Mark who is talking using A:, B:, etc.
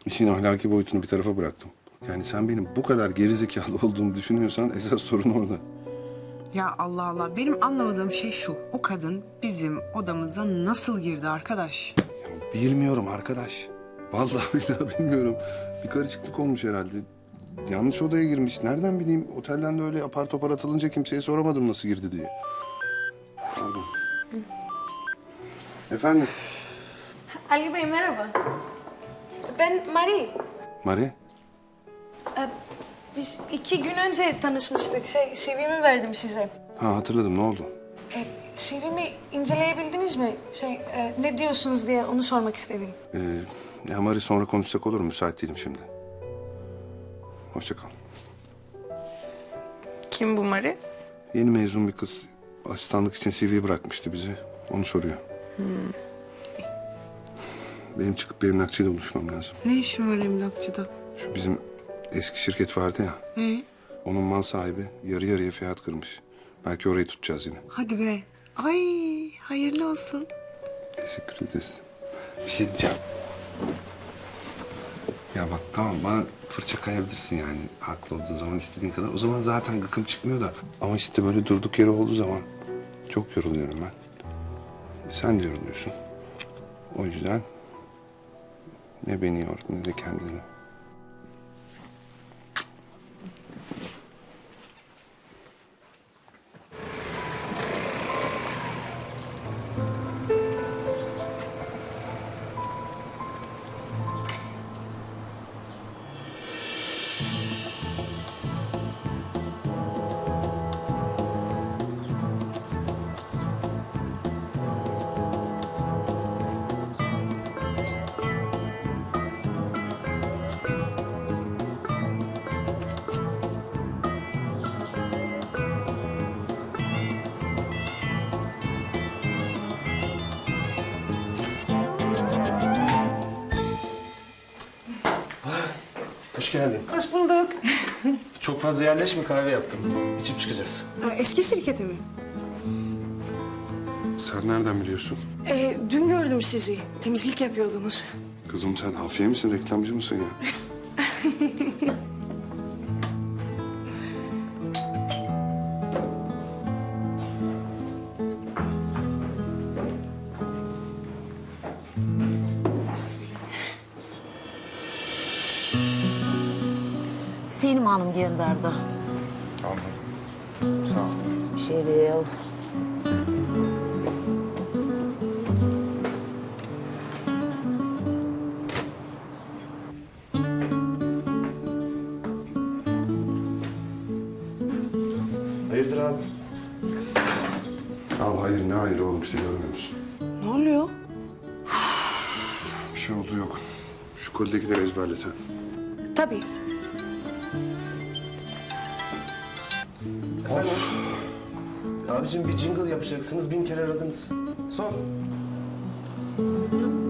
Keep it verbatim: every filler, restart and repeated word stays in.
A: İşin ahlaki boyutunu bir tarafa bıraktım. Yani sen benim bu kadar gerizekalı olduğumu düşünüyorsan esas sorun orada.
B: Ya Allah Allah, benim anlamadığım şey şu. O kadın bizim odamıza nasıl girdi arkadaş?
A: Ya bilmiyorum arkadaş. Vallahi billahi bilmiyorum. Bir karışıklık olmuş herhalde. Yanlış odaya girmiş. Nereden bileyim? Otelden de öyle apar topar atılınca kimseye soramadım nasıl girdi diye. Pardon. Efendim?
C: Ali Bey merhaba. Ben Marie.
A: Mari?
C: Ee, Biz iki gün önce tanışmıştık. Şey, C V'mi verdim size.
A: Ha hatırladım. Ne oldu?
C: Ee, C V'mi inceleyebildiniz mi? Şey, e, ne diyorsunuz diye onu sormak istedim.
A: Ee, ya Mari sonra konuşsak olur mu? Müsait değilim şimdi. Hoşça kal.
B: Kim bu Mari?
A: Yeni mezun bir kız asistanlık için C V bırakmıştı bize. Onu soruyor. Benim çıkıp bir emlakçıyla buluşmam lazım.
B: Ne işin var emlakçıda?
A: Şu bizim eski şirket vardı ya.
B: Ee,
A: Onun mal sahibi yarı yarıya fiyat kırmış. Belki orayı tutacağız yine.
B: hadi be. Ay, hayırlı olsun.
A: Teşekkür ederiz. Bir şey diyeceğim. Ya bak tamam bana fırça kayabilirsin yani. Haklı olduğun zaman istediğin kadar. O zaman zaten gıkım çıkmıyor da. Ama işte böyle durduk yere olduğu zaman çok yoruluyorum ben. Sen de yoruluyorsun. O yüzden ne beni yor ne de kendini.
D: Hoş geldin.
C: Hoş bulduk.
D: Çok fazla yerleşme, kahve yaptım. İçip çıkacağız.
C: Ee, eski şirketi mi?
A: Sen nereden biliyorsun?
C: Ee, dün gördüm sizi. Temizlik yapıyordunuz.
A: Kızım sen hafiye misin, reklamcı mısın ya?
E: Sinem Hanım gönderdi.
A: Anladım. Sağ ol.
E: Bir şey değil.
D: Hayırdır abi?
A: Al hayır ne hayır oğlum işte görmüyor musun?
C: Ne oluyor?
A: Bir şey oldu yok. Şu kolidekileri ezberle sen.
C: Tabii.
D: Efendim? Abicim bir jingle yapacaksınız, bin kere aradınız. Sor.